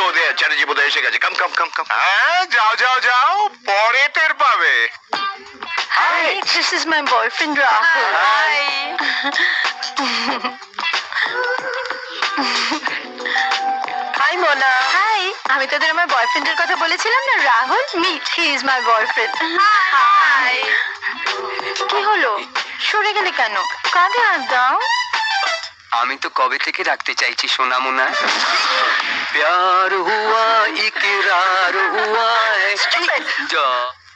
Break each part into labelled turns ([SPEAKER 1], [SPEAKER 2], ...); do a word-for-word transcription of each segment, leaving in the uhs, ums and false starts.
[SPEAKER 1] গো দে, চ্যাটার্জি বোধহয় এসে গেছে। কাম কাম কাম কাম।
[SPEAKER 2] হ্যাঁ যাও যাও যাও, পরে টের পাবে।
[SPEAKER 3] Hi, this is my boyfriend Rahul.
[SPEAKER 4] Hi.
[SPEAKER 3] Hi Mona. Hi. আমি তোদের আমার বয়ফ্রেন্ডের কথা বলেছিলাম না, Rahul. Meet, he is my boyfriend.
[SPEAKER 4] Hi.
[SPEAKER 3] কি হলো, সরে গেলে কেন? কাঁধে হাত দাও।
[SPEAKER 5] আমি তো কবে থেকে রাখতে চাইছি সোনা মোনা। প্যার হুয়া ইকরার হুয়া যা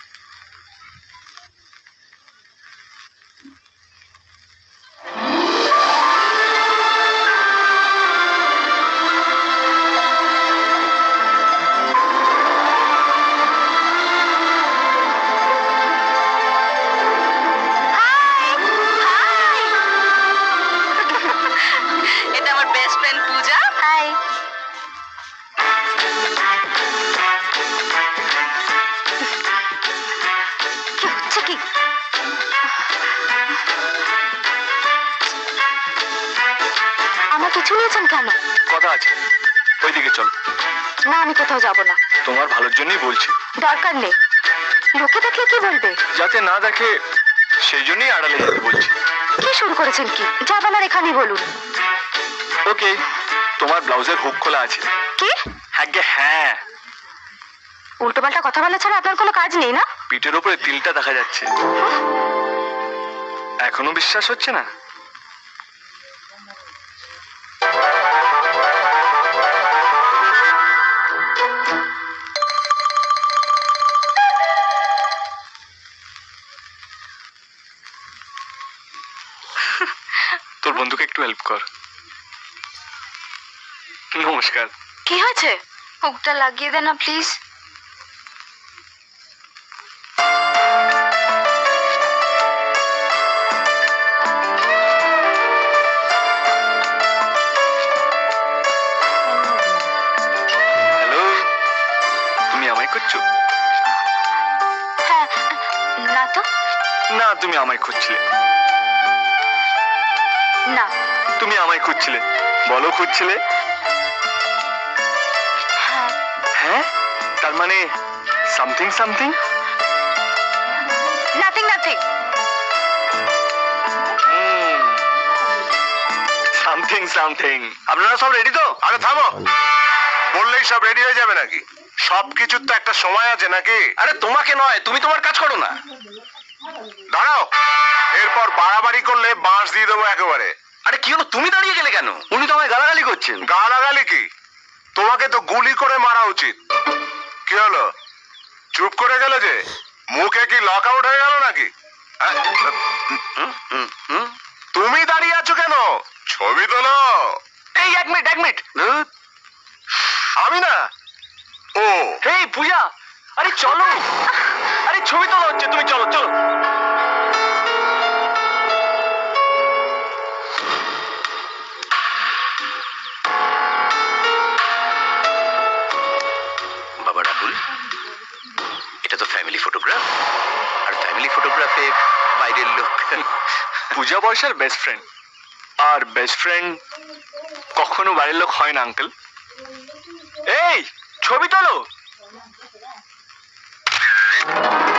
[SPEAKER 4] এটা আমার বেস্ট ফ্রেন্ড পূজা।
[SPEAKER 3] হাই। কি হচ্ছে কি? আমার কিছু নিয়েছেন কেন?
[SPEAKER 2] কথা আছে, ওইদিকে চল।
[SPEAKER 3] না, আমি কোথাও যাব না।
[SPEAKER 2] তোমার ভালোর জন্যই বলছি।
[SPEAKER 3] দরকার নেই, লোকে দেখলে কি বলবে?
[SPEAKER 2] যাতে না দেখে সেই জন্যই আড়ালে যেতে বলছি।
[SPEAKER 3] কি শুরু করেছেন কি? যা বলার এখানেই বলুন।
[SPEAKER 2] ওকে, তোমার ব্লাউজের হুক খোলা আছে।
[SPEAKER 3] কি?
[SPEAKER 2] আগে হ্যাঁ,
[SPEAKER 3] উল্টোপাল্টা কথা বলা ছাড়া আপনার কোনো কাজ নেই না?
[SPEAKER 2] পিঠের উপরে তিলটা দেখা যাচ্ছে। এখনো বিশ্বাস হচ্ছে না? তোর বন্ধুকে একটু হেল্প কর। নমস্কার।
[SPEAKER 3] কি হয়েছে? হুকটা লাগিয়ে দে না প্লিজ।
[SPEAKER 2] হ্যালো, তুমি আমায় খুঁজছো?
[SPEAKER 3] হ্যাঁ। না তো।
[SPEAKER 2] না, তুমি আমায় খুঁজছিলে।
[SPEAKER 3] না।
[SPEAKER 2] তুমি আমায় খুঁজছিলে। বলো খুঁজছিলে।
[SPEAKER 3] হ্যাঁ।
[SPEAKER 2] হ্যাঁ, তার মানে something something.
[SPEAKER 3] Nothing nothing.
[SPEAKER 2] Something something. আপনারা সব রেডি তো? আরে থামো, বললেই সব রেডি হয়ে যাবে নাকি? সবকিছুর তো একটা সময় আছে নাকি?
[SPEAKER 1] আরে তোমাকে নয়, তুমি তোমার কাজ করো না।
[SPEAKER 2] দাঁড়াও, এরপর বাড়াবাড়ি করলে বাঁশ দিয়ে দেবো একেবারে।
[SPEAKER 1] আরে কি হলো, তুমি দাঁড়িয়ে গেলে কেন?
[SPEAKER 2] উনি তো আমায় গালাগালি করছেন। গালাগালি কি? তোমাকে তো গুলি করে মারা উচিত। কি হলো, চুপ করে গেলে যে? মুখে কি লক আউট হয়ে গেল নাকি? আহ,
[SPEAKER 1] হুম, হুম, হুম।
[SPEAKER 2] তুমি দাঁড়িয়ে আছো কেন? ছবি তোলো।
[SPEAKER 5] এই এক মিনিট এক মিনিট
[SPEAKER 2] ধুৎ, আমি না। ও
[SPEAKER 5] এই পূজা, আরে চলো, আরে ছবি তোলা হচ্ছে, তুমি চলো চলো।
[SPEAKER 1] বাবা রাহুল, এটা তো ফ্যামিলি ফটোগ্রাফ, আর ফ্যামিলি ফটোগ্রাফে বাইরের লোক।
[SPEAKER 2] পূজা বর্ষার বেস্ট ফ্রেন্ড, আর বেস্ট ফ্রেন্ড কখনো বাড়ির লোক হয় না আঙ্কেল। এই ছবি তোলো।